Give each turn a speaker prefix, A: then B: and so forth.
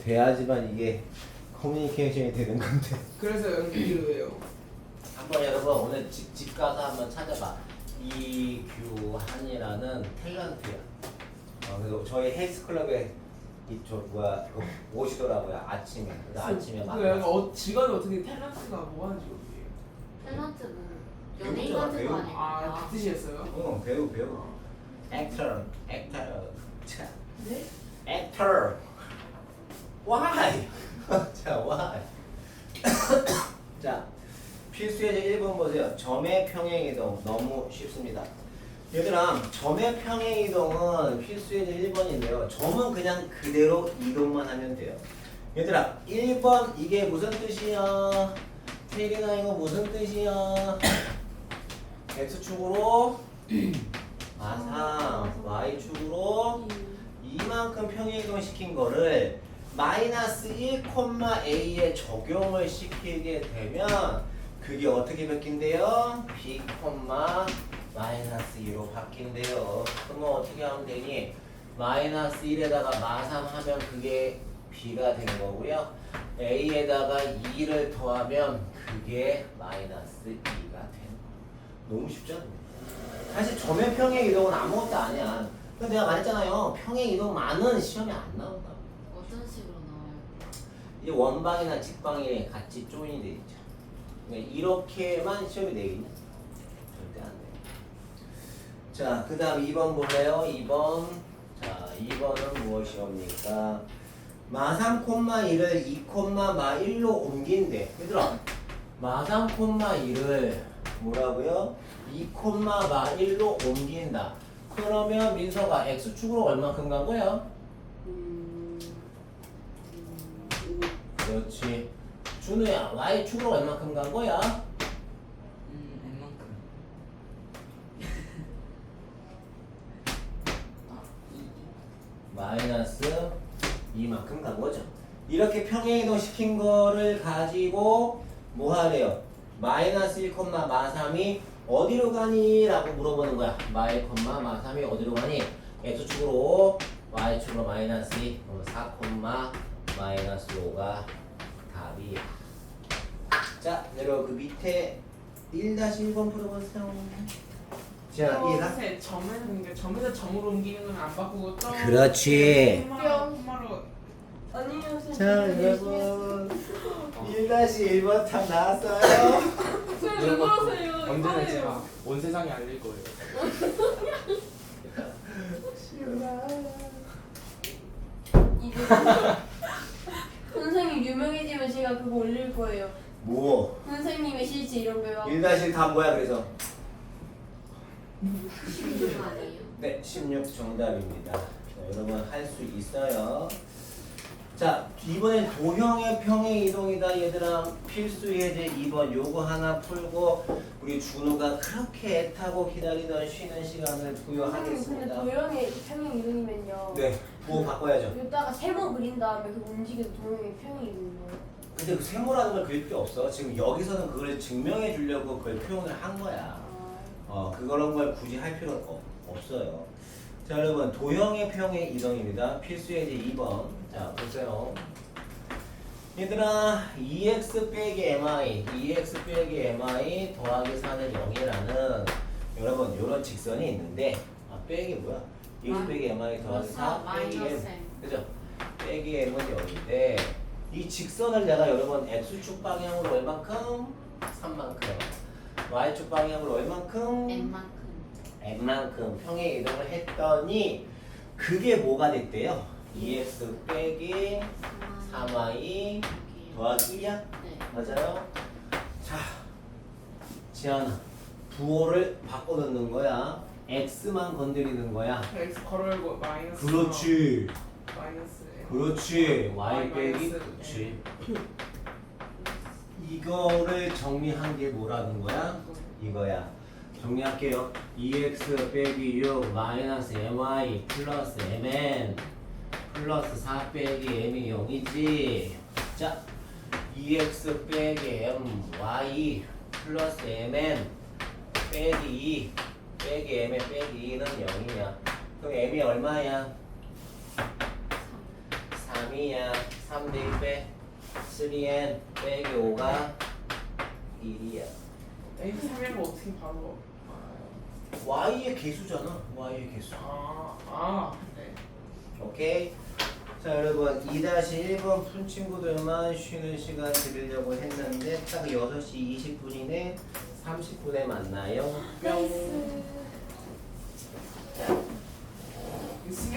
A: 돼야지만 이게 커뮤니케이션이 되는 건데.
B: 그래서 연기로예요.
A: 한번 여러분 오늘 집 가서 한번 찾아봐. 이규한이라는 탤런트야. 그래서 저희 헬스클럽에 이저 뭐야 오시더라고요 아침에. 그래서 아침에
B: 그
A: 만나서.
B: 약간 직업이 어떻게 탤런트가 뭐 하는 직업이에요?
C: 탤런트 뭐 연예인
A: 배우잖아,
C: 같은
A: 배우.
C: 거 아니에요?
B: 아, 그 뜻이었어요?
A: 응 배우. 액터. 자.
C: 네?
A: 액터. Why? 자 why? 자. 필수예제 1번 보세요. 점의 평행이동 너무 쉽습니다. 얘들아 점의 평행이동은 필수예제 1번인데요. 점은 그냥 그대로 이동만 하면 돼요. 얘들아 1번 이게 무슨 뜻이야? 태린아 이거 무슨 뜻이야? X축으로 마상 Y축으로 이만큼 평행이동 시킨 거를 마이너스 1,a에 적용을 시키게 되면 그게 어떻게 바뀐대요? b, 마이너스 2로 바뀐대요. 그러면 어떻게 하면 되니? 마이너스 1에다가 마삼 하면 그게 b가 된 거고요. a에다가 2를 더하면 그게 마이너스 2가 되는 거. 너무 쉽지 않나요? 사실 점의 평행 이동은 아무것도 아니야. 근데 내가 말했잖아요. 평행 이동만은 시험에 안 나온다.
C: 어떤 식으로 나와요?
A: 이 원방이나 직방이 같이 조인이 돼 있죠. 그러니까 이렇게만 시험이 되겠냐? 절대 안 돼. 자, 그 다음 2번 볼래요? 2번. 자, 2번은 무엇이옵니까? 마3,2를 2,1로 옮긴대. 얘들아, 마3,2를 뭐라고요? 2,1로 옮긴다. 그러면 민서가 X축으로 얼마큼 간 거야? 그렇지. 준우야, Y축으로 얼마큼 간 거야?
D: N만큼.
A: 마이너스 2만큼 간 거죠. 이렇게 평행이동 시킨 거를 가지고 뭐 하래요? 마이너스 1, 마3이 어디로 가니? 라고 물어보는 거야. 마이, 마3이 어디로 가니? X축으로 Y축으로 마이너스 2 4, 마이너스 5가 답이야. 자, 여러분 그 밑에 1-1번 풀어보세요. 자, 이해가?
B: 선생님, 점에서 그러니까 점에서 점으로 옮기는 건 안 바꾸고 점.
A: 그렇지.
B: 콤마로.
C: 아니요 선생님.
A: 자, 여러분 1-1번 답 나왔어요.
C: 왜 그러세요?
B: 언제나 제가 온 세상에 알릴 거예요.
C: 이제 선생님 유명해지면 제가 그거 올릴 거예요.
A: 뭐?
C: 선생님의 실체 이런 거요.
A: 1-1 답 뭐야 그래서?
C: 16 아니에요?
A: 네, 16 정답입니다. 자, 여러분 할 수 있어요. 자, 이번엔 도형의 평행 이동이다 얘들아. 필수 예제 2번 요거 하나 풀고 우리 준우가 그렇게 애타고 기다리던 쉬는 시간을
C: 선생님 근데
A: 부여하겠습니다.
C: 도형의 평행 이동이면요.
A: 네, 뭐 바꿔야죠.
C: 여기다가 세모 그린 다음에 그 움직이는 도형의 평행 이동이요.
A: 근데 그 세모라는 걸 그릴 필요 없어. 지금 여기서는 그걸 증명해 주려고 그걸 표현을 한 거야. 그런 걸 굳이 할 필요는 없어요. 자, 여러분 도형의 평행 이동입니다. 필수 예제 2번. 자, 보세요. 얘들아 2x 빼기 mi 2x 빼기 mi 더하기 4는 0이라는 여러분 이런 직선이 있는데 빼기 뭐야? 2x 빼기 mi 더하기 4 빼기 m 그죠? 빼기 m은 0인데 이 직선을 내가 여러분 x축 방향으로 얼만큼? 3만큼 y축 방향으로 얼만큼? n만큼 평행 이동을 했더니 그게 뭐가 됐대요? 2x 빼기 3y 더하기 1이야?
C: 네.
A: 맞아요? 자, 지안아 부호를 바꿔 넣는 거야. x만 건드리는 거야.
B: X 걸어열고 마이너스.
A: 그렇지.
B: 마이너스.
A: 그렇지. y
B: Y
A: 빼기
B: 마이너스
A: 그렇지. 이거를 정리한 게 뭐라는 거야? 이거야. 정리할게요. 2x 빼기 6 마이너스 my 플러스 mn 플러스 4 빼기 m이 0이지. 자, 2x 빼기 my 플러스 mn 빼기 2 빼기 m의 빼기 2는 0이냐? 그럼 m이 얼마야? 3이야. 3 대입에 3n 빼기 5가 1이야.
B: A 3N을 어떻게 바로 알아요?
A: y의 개수잖아. y의 개수.
B: 네.
A: 오케이. 자 여러분 2-1번 푼 친구들만 쉬는 시간 드리려고 했는데 딱 6시 20분이네. 30분에 만나요.
C: 나이스.
B: 이